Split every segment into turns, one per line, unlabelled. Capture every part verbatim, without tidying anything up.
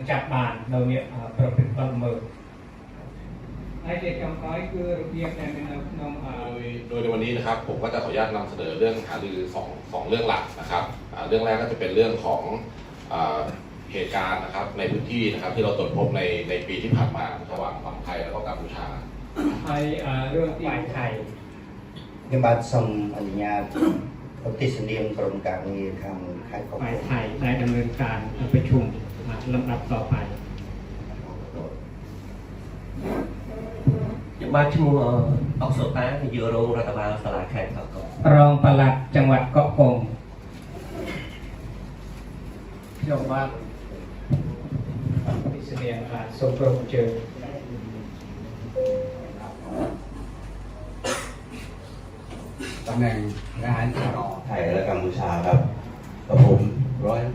จับบานเราเนี่ยประพฤติบังเมิน
ไอเด็กกำก้อยคือระเบียบในเป็นน้อง
โดยในวันนี้นะครับผมก็จะขออนุญาตนำเสนอเรื่องหารือสองสองเรื่องหลักนะครับเรื่องแรกก็จะเป็นเรื่องของเหตุการณ์นะครับในพื้นที่นะครับที่เราตรวจพบในในปีที่ผ่านมาระหว่างฝั่งไทยแล้วก็กัมพูชา
ไทยเรื่องฝ่ายไทย
ยังบัดส่งอนุญาตปฏิเสธกรมการเงินทางไทยของ
ฝ่ายไทยได้ดำเนินการประชุมลำดับต่อไป
ยังบ้านชั่วโมงออกสตาร์ที่อยู่โรงรัฐบาลสลายแขกเขาก็
รองปลัดจังหวัดเกาะกงยกบ้านพิเศษสมรบเจอ
ตำแหน่งทหารที่ต่อไทยและกัมพูชาครับกับผมร้อย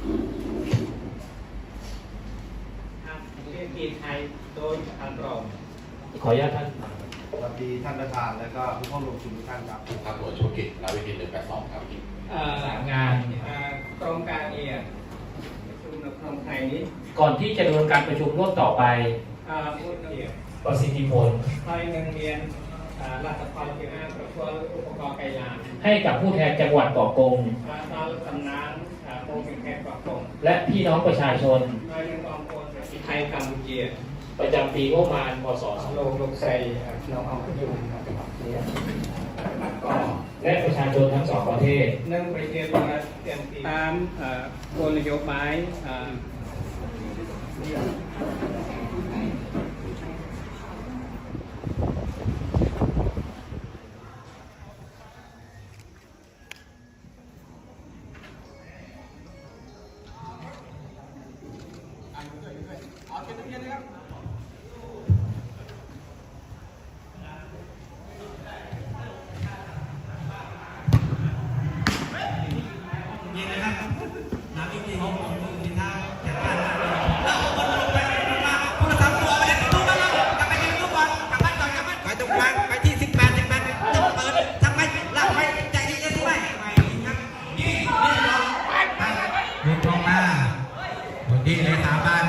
เรียนกีไทยโดยอันรอง
ขออนุญาตท่าน
สวัสดีท่านประธานและก็ผู้เข้าร่วมประชุมทุกท่านครับ
ครับหน่วยธุรกิจนาวิกฤตหนึ่งแปดสองครับ
สายงานกรมการเงินประชุมในครองไทยนี้
ก่อนที่จะดำเนินการประชุมร่วมต่อไปประสิทธิผล
ไทยเงินเรียนรัฐพัฒน์ที่ห้าประกอบอุปกรณ์ไกลาน
ให้กับผู้แทนจังหวัดเกาะกง
ตอนสำนักโรงเป็นแทนเกาะกง
และพี่น้องประชาชน
โดยกองพลไทยกัมพูชี
ประจำปีงบประมาณพศ
โลกโลกใส่น้องเอาไปอยู่
และประชาชนทั้งสองประเทศ
เนื่องไปเรียนตามกลนโยบาย
นี่ตรงหน้าคนที่เลขาบ้าน